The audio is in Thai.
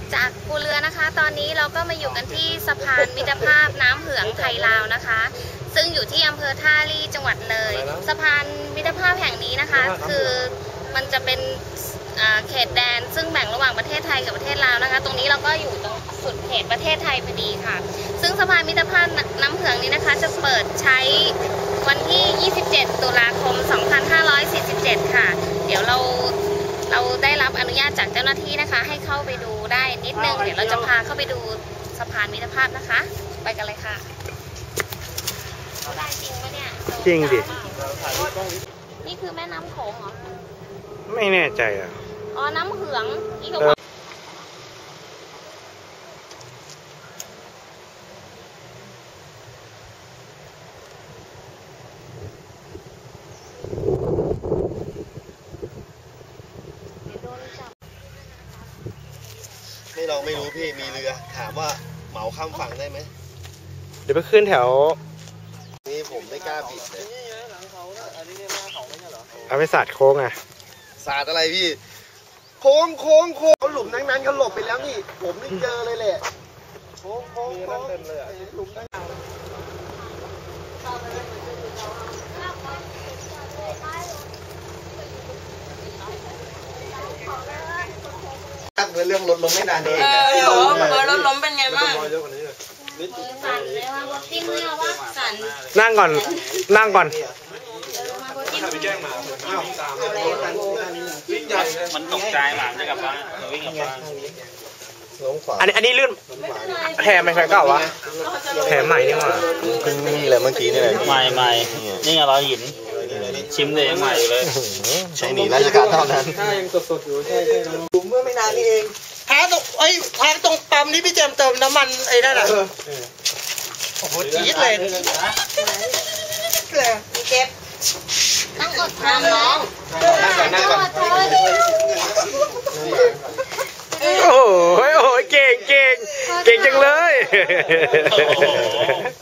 จากภูเรือนะคะตอนนี้เราก็มาอยู่กันที่สะพานมิตรภาพน้ำเหืองไทยลาวนะคะซึ่งอยู่ที่อำเภอท่าลี่จังหวัดเลยสะพานมิตรภาพแห่งนี้นะคะคือมันจะเป็นเขตแดนซึ่งแบ่งระหว่างประเทศไทยกับประเทศลาวนะคะตรงนี้เราก็อยู่ตรงสุดเขตประเทศไทยพอดีค่ะซึ่งสะพานมิตรภาพน้ำเหืองนี้นะคะจะเปิดใช้วันที่ 27 ตุลาคม 2547 ค่ะเดี๋ยวเราได้รับอนุญาตจากเจ้าหน้าที่นะคะให้เข้าไปดูได้นิดนึงเดี๋ยวเราจะพาเข้าไปดูสะพานมิตรภาพนะคะไปกันเลยค่ะเขาได้จริงปะเนี่ยจริงดินี่คือแม่น้ำโขงเหรอไม่แน่ใจอ่ะอ๋อน้ำเหืองนี่ก็เราไม่รู้พี่มีเรือถามว่าเหมาข้ามฝั่งได้ไหมเดี๋ยวไปขึ้นแถวนี่ผมไม่กล้าบิดเลยเอาไปสาดโค้งอ่ะสาดอะไรพี่โค้งเขาหลุมนั้นเขาหลบไปแล้วนี่ผมนี่เจอเลยแหละโค้งเต็มเลยหลุมนั้นเรื่องรถล้มไม่นานเองรถล้มเป็นไงบ้างสั่นเลยว่าจิ้มไม่เอาว่าสั่นนั่งก่อนมันตกใจหมาจะกลับบ้านวิ่งกลับบ้านอันนี้ลื่นแถมไม่ใช่เก่าวะแถมใหม่นี่หว่าเพิ่งมีอะไรเมื่อกี้นี่แหละใหม่นี่ไงเราหินชิมเลยยังใหม่อยู่เลยใช่หนีราชการเท่านั้นถ้ายังสดอยู่ใช่ผมเมื่อไม่นานนี้เองทางตรงปั๊มนี่พี่เจมเติมน้ำมันไอ้นั่นอ่ะโอ้โหจี๊ดเลยมีเก็บต้องอดทนน้องนั่งก่อนโอ้โหเก่งจังเลย